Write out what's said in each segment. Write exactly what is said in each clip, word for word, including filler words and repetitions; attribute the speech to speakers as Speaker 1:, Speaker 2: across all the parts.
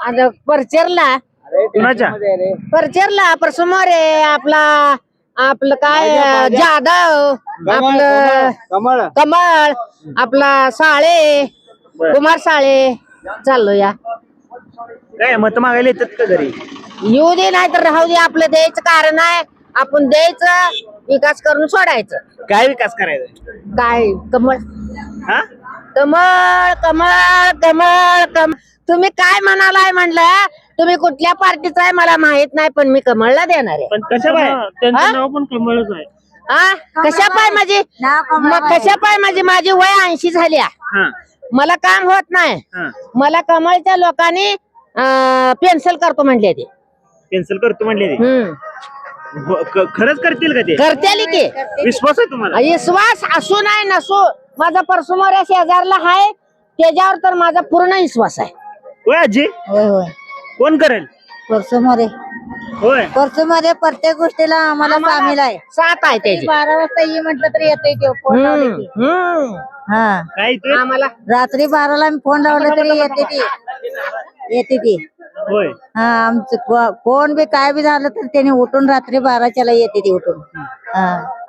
Speaker 1: आता परचेरला
Speaker 2: कुणाच्या
Speaker 1: परचेरला परसमोर आहे आपला आपलं काय जाधव आपलं
Speaker 3: कमळ
Speaker 1: कमळ आपला साळे कुमार साळे चाललो या
Speaker 2: काय मत मागायला येतात का घरी?
Speaker 1: येऊ दे नाही तर राहू दे आपलं द्यायचं कारण आहे आपण द्यायचं विकास करून सोडायचं
Speaker 2: काय विकास करायचा?
Speaker 1: काय कमळ
Speaker 2: हा
Speaker 1: कमळ कमळ कमळ कमळ तुम्ही काय म्हणालाय म्हणलं तुम्ही कुठल्या पार्टीचा आहे मला माहित नाही पण मी कमळला देणार आहे
Speaker 2: पण कशा बाय
Speaker 1: हा?
Speaker 2: नाव पण कमळच आहे.
Speaker 1: हा कशा पाय माझी मग कशा पाय माझी माझी वय ऐंशी झाली आहे.
Speaker 2: हा
Speaker 1: मला काम होत नाही
Speaker 2: हा
Speaker 1: मला कमळच्या लोकांनी पेन्सिल करतो म्हणले ते
Speaker 2: कॅन्सल करतो म्हणले ते.
Speaker 1: हम्म
Speaker 2: ब- क- खरंच करतील का ते?
Speaker 1: करतेली की
Speaker 2: विश्वास आहे तुम्हाला?
Speaker 1: विश्वास असू नाही नसू माझा परसमोर शेजारला आहे त्याच्यावर तर माझा पूर्ण विश्वास आहे.
Speaker 2: होय आजी
Speaker 4: होय होय
Speaker 2: कोण करेल?
Speaker 4: परसोमध्ये
Speaker 2: होय
Speaker 4: परसोमध्ये प्रत्येक गोष्टीला आम्हाला सामील आहे.
Speaker 1: साथ आहे त्याची
Speaker 4: बारा वाजता ये म्हटलं तरी येते ते फोन लावले की.
Speaker 1: हम्म, हम्म.
Speaker 4: हा
Speaker 2: काय इथे?
Speaker 1: आम्हाला
Speaker 4: रात्री बाराला मी फोन लावला तरी येते ती येते ती
Speaker 2: होय
Speaker 4: हा आमचं को- कोण बी काय बी झालं तर त्याने उठून रात्री बाराच्याला येते ती उठून. हा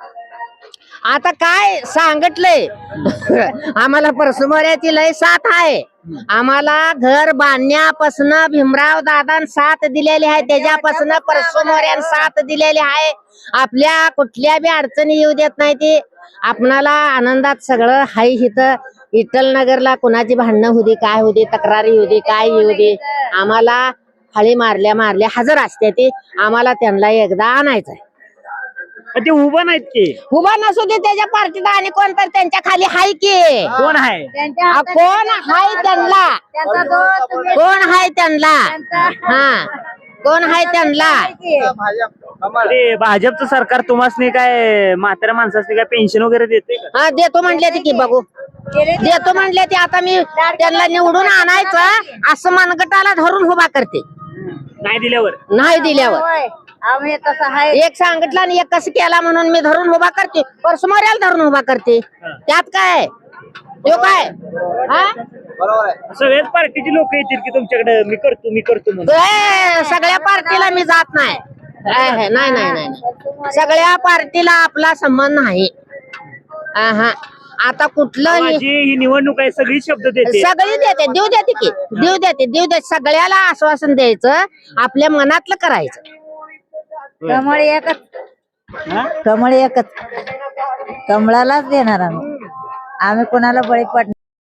Speaker 1: आता काय सांगितलंय आम्हाला परसमोऱ्याची लय साथ आहे. आम्हाला घर बांधण्यापासून भीमराव दादा साथ दिलेली आहे त्याच्यापासून परसमोऱ्यान साथ दिलेली आहे. आपल्या कुठल्या बी अडचणी येऊ देत नाही ती आपणाला आनंदात सगळं हाय इथं इटल नगरला कुणाची भांडणं होती काय होती तक्रारी होती काय येऊ दे आम्हाला हळी मारल्या मारल्या हजर असते ती आम्हाला त्यांना एकदा आणायचं आहे.
Speaker 2: पण ते उभं नाहीत की.
Speaker 1: उभा नसू दे त्याच्या पार्टीत आणि कोण तर त्यांच्या खाली हाय की
Speaker 2: कोण आहे?
Speaker 1: आ, कोण हाय त्यांना कोण हाय त्यांना हा कोण हाय त्यांना
Speaker 2: ते भाजपचं सरकार तुम्हाला काय म्हाताऱ्या माणसाने काय पेन्शन वगैरे देते का?
Speaker 1: हा देतो म्हणले ते की बघू देतो म्हणले ते आता मी त्यांना निवडून आणायचं असं मनगटाला धरून उभा करते
Speaker 2: नाही दिल्यावर
Speaker 1: नाही दिल्यावर
Speaker 4: होय आम्ही तसं आहे.
Speaker 1: एक सांगितलं आणि एक कसं केला म्हणून मी धरून उभा करते परसमोऱ्याला धरून उभा करते त्यात काय तो काय हा
Speaker 3: बरोबर आहे.
Speaker 2: सगळ्याच पार्टीची लोक येतील की तुमच्याकडे मी करतो मी करतो म्हणून.
Speaker 1: ए, सगळ्या पार्टीला मी जात नाही ए, हे, नाही नाही नाही नाही. सगळ्या पार्टीला आपला संबंध नाही हा आता कुठलं
Speaker 2: माझी ही निवडणूक आहे सगळी शब्द देते.
Speaker 1: सगळी देते देऊ देते की देऊ देते देऊ देते सगळ्याला आश्वासन द्यायचं आपल्या मनातलं करायचं.
Speaker 4: कमळ एकच कमळ एकच कमळालाच देणार आम्ही आम्ही कोणाला बळी पडणार